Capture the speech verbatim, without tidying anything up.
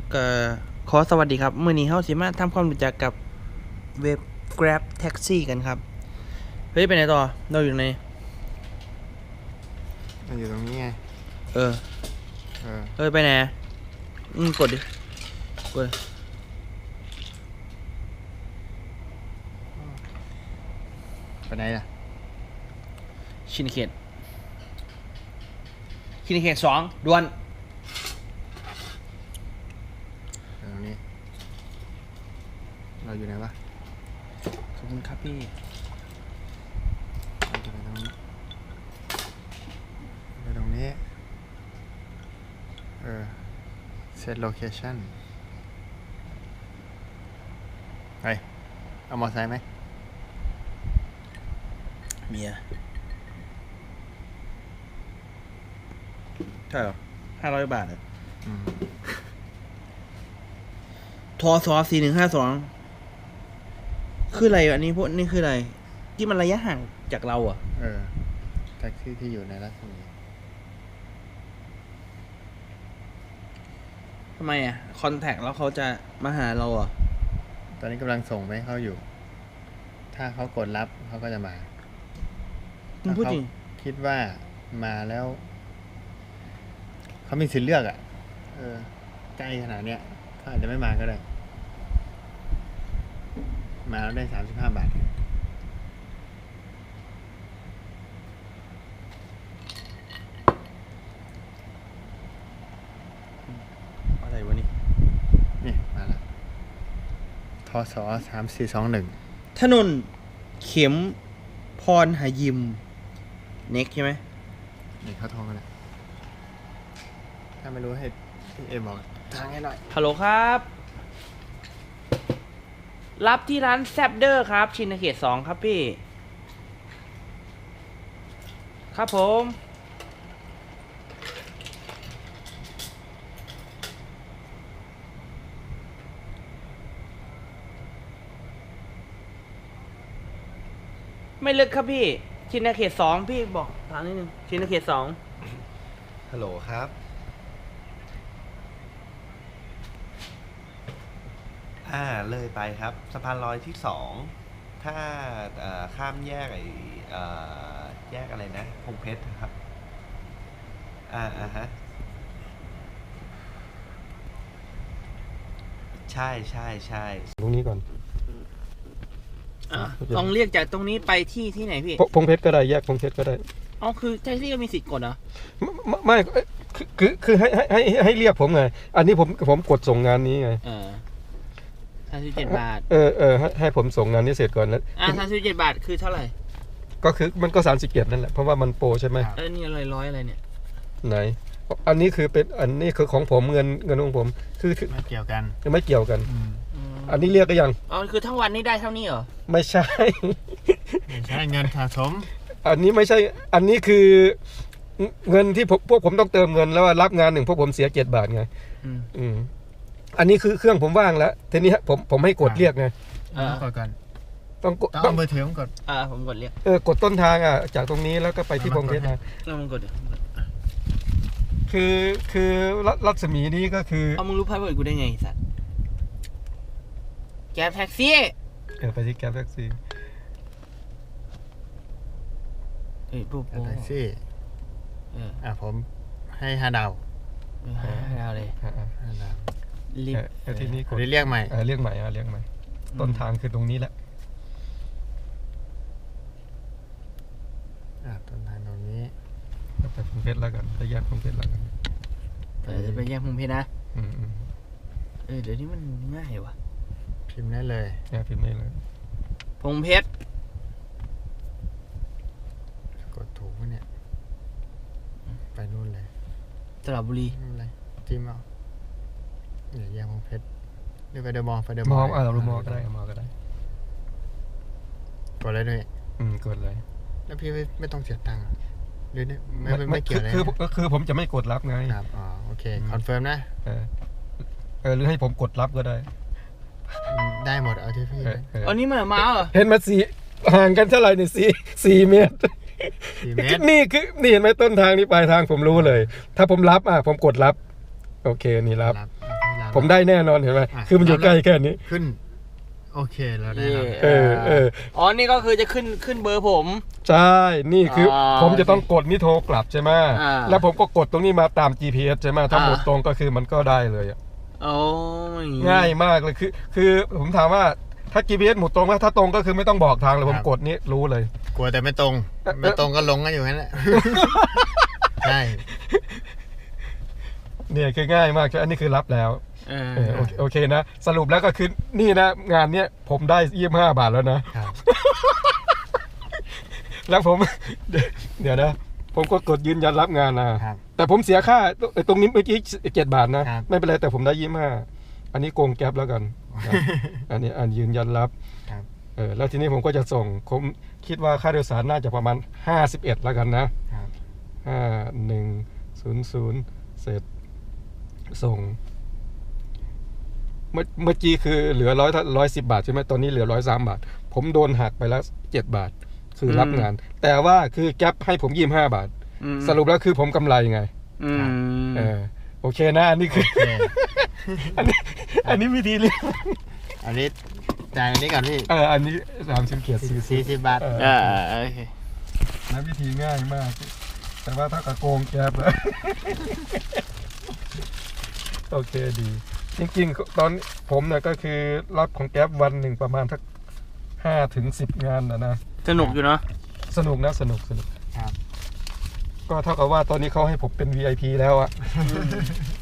ก็ขอสวัสดีครับมื้อนี้เฮาสิมาทำความรู้จักกับเว็บ Grab Taxi กันครับเฮ้ยไปไหนต่อเราอยู่ไหนมันอยู่ตรงนี้ไงเออเออเอ้ยไปไหนอืมกดดิกดไปไหนล่ะชินเขตชินเขตสองด่วนตรงนี้เราอยู่ไหนวะขอบคุณครับพี่เราจะไปตรงนี้ไปตรงนี้เออ set location ไปเอามอเตอร์ไซค์ไหมเมียใช่เหรอห้าร้อยบาทเหรออืมทอสอสี่หนึ่งห้าสองคืออะไรอันนี้พวกนี่คืออะไรที่มันระยะห่างจากเราอ่ะเออแท็กซี่ที่อยู่ในรัศมีทำไมอ่ะคอนแทคแล้วเขาจะมาหาเราอ่ะตอนนี้กำลังส่งไปให้เขาอยู่ถ้าเขากดรับเขาก็จะมามึงพูดจริงคิดว่ามาแล้วเขามีสิทธิ์เลือกอ่ะเออใกล้ขนาดเนี้ยเขาอาจจะไม่มาก็ได้มาแล้วได้สามสิบห้าบาทอะไรวะนี่นี่มาแล้วทศสามสี่สองหนึ่งถนนเข็มพรหยิมเน็กใช่ไหมนี่เขาโทรมาแล้วถ้าไม่รู้ให้พี่เอบอกทางให้หน่อยฮัลโหลครับ รับที่ร้านแซบเดอร์ครับ ชินเขตสองครับพี่ ครับผม ไม่ลึกครับพี่ ชินเขตสองพี่บอกถามนิดนึงชินเขตสองฮัลโหลครับอ่าเลยไปครับสะพานลอยที่สองถ้าข้ามแยกไอ้แยกอะไรนะพงเพชรครับอ่าอ่าฮะใช่ใช่ใช่ตรงนี้ก่อนลองเรียกจากตรงนี้ไปที่ที่ไหนพี่พงเพชรก็ได้แยกพงเพชรก็ได้อ๋อคือแท็กซี่ก็มีสิทธิ์กดเหรอไม่ไม่คือคือให้ให้ให้เรียกผมไงอันนี้ผมผมกดส่งงานนี้ไงเออสามสิบเจ็ดบาทเออเออให้ให้ผมส่งงานนี้เสร็จก่อนแล้วอ่าสามสิบเจ็ดบาทคือเท่าไหร่ก็คือมันก็สามสิบเจ็ดนั่นแหละเพราะว่ามันโปรใช่ไหมเออนี่อะไรร้อยอะไรเนี่ยไหนอันนี้คือเป็นอันนี้คือของผมเงินเงินของผมคือไม่เกี่ยวกันไม่เกี่ยวกันอันนี้เรียกก็ยังอ๋อคือทั้งวันนี้ได้เท่านี้เหรอไม่ใช่ไม่ใช่เงินสะสมอันนี้ไม่ใช่อันนี้คือเงินที่พวกผมต้องเติมเงินแล้วรับงานหนึ่งพวกผมเสียเจ็ดบาทไงอืมอันนี้คือเครื่องผมว่างแล้วทีนี้ผมผมให้กดเรียกไงกดก่อนต้องกดต้องเบอร์ถือผมกดอ่าผมกดเรียกเออกดต้นทางอ่ะจากตรงนี้แล้วก็ไปที่พงเพชรนะแล้วมันกดคือคือรัศมีนี้ก็คือเอามึงรู้พาสเวิร์ดกูได้ไงสัตว์แกร็บแท็กซี่เออไปที่แกร็บแท็กซี่เฮ้ยปุ๊บแท็กซี่เอออ่ะผมให้ห้าดาวห้าดาวเลยห้าดาวรีบทีนี้กดเรียกใหม่เออเรียกใหม่อ่ะเรียกใหม่ต้นทางคือตรงนี้แหละอ่ะต้นทางตรงนี้ไปพงเพชรแล้วกันไปแยกพงเพชรแล้วกันเออจะไปแยกพงเพชรนะอืมเออเดี๋ยวนี้มันง่ายว่ะพิมพ์ได้เลยแยกพิมพ์ได้เลยพงเพชรกดถูกไหมเนี่ยไปนู่นเลยสระบุรีนู่นเลยจิ้มเอาเนี่ยแยกพงเพชรหรือไปเดอะมอลล์ไปเดอะมอลล์อ่ะเรามอลล์ก็ได้มอลล์ก็ได้กดเลยด้วยอืมกดเลยแล้วพี่ไม่ไม่ต้องเสียตังค์หรือเนี่ยไม่ไม่เกี่ยวเลยคือก็คือผมจะไม่กดรับไงครับอ๋อโอเคคอนเฟิร์มนะเออเออหรือให้ผมกดรับก็ได้ได้หมดเอาที่พี่อันนี้มันมาเหรอเห็นมาสี่ห่างกันเท่าไหร่เนี่ยสี่สี่เมตรนี่คือนี่เห็นไหมต้นทางนี่ปลายทางผมรู้เลยถ้าผมรับอ่ะผมกดรับโอเคนี่รับรับผมได้แน่นอนเห็นไหมอ่ะคือมันอยู่ใกล้แค่นี้ขึ้น โอเคแล้วได้เย่รับเออเอออ๋อนี่ก็คือจะขึ้นขึ้นเบอร์ผมใช่ นี่คือออผมจะต้องกดนี่โทรกลับใช่ไหมอ่าแล้วผมก็กดตรงนี้มาตาม จี พี เอส ใช่ไหมถ้าอ่าหมดตรงก็คือมันก็ได้เลยอะโอ้ยง่ายมากเลยคือ คือผมถามว่าถ้า จี พี เอส หมุดตรงแล้วถ้าตรงก็คือไม่ต้องบอกทางเลยผมกดนี้รู้เลยกลัวแต่ไม่ตรง ไม่ตรงก็ลงกันอยู่นั่นแหละ ใช่เนี่ยคือง่ายมากใช่อันนี้คือรับแล้วเออเออโอเคโอเคนะ สรุปแล้วก็คือนี่นะงานเนี้ยผมได้ยี่สิบห้าบาทแล้วนะครับแล้วผม เดี๋ยวเดี๋ยวนะ ผมก็กดยืนยันรับงานนะครับ แต่ผมเสียค่าตรงนี้เมื่อกี้เจ็ดบาทนะครับไม่เป็นไรแต่ผมได้ยี่สิบห้าอันนี้โกงแก๊ปแล้วกันนะ อันนี้อันยืนยันรับครับเออแล้วทีนี้ผมก็จะส่งผมคิดว่าค่าโดยสารน่าจะประมาณห้าสิบเอ็ดแล้วกันนะครับ ห้าหนึ่งศูนย์ศูนย์เสร็จส่ง เมื่อเมื่อกี้คือเหลือร้อยร้อยสิบบาทใช่ไหมตอนนี้เหลือร้อยสามบาท ผมโดนหักไปแล้วเจ็ดบาท คือรับงาน แต่ว่าคือแก๊ปให้ผมยี่สิบห้าบาทอืมสรุปแล้วคือผมกำไรไงอืมเออโอเคนะอันนี้คือโอเคอันนี้อันนี้วิธีเรียกอันนี้จ่ายอันนี้ก่อนพี่เอออันนี้สามสิบเกียรติสี่สี่สิบบาทเอออ่าโอเคนะวิธีง่ายมาก แต่ว่าถ้ากับโกงแก๊ปแล้ว โอเคดี จริงๆ ตอนผมเนี่ยก็คือรับของแก๊ปวันหนึ่งประมาณสักห้าถึงสิบงานนะนะสนุกอยู่เนาะสนุกนะสนุกสนุกครับก็เท่ากับว่าตอนนี้เขาให้ผมเป็น วี ไอ พี แล้วอะ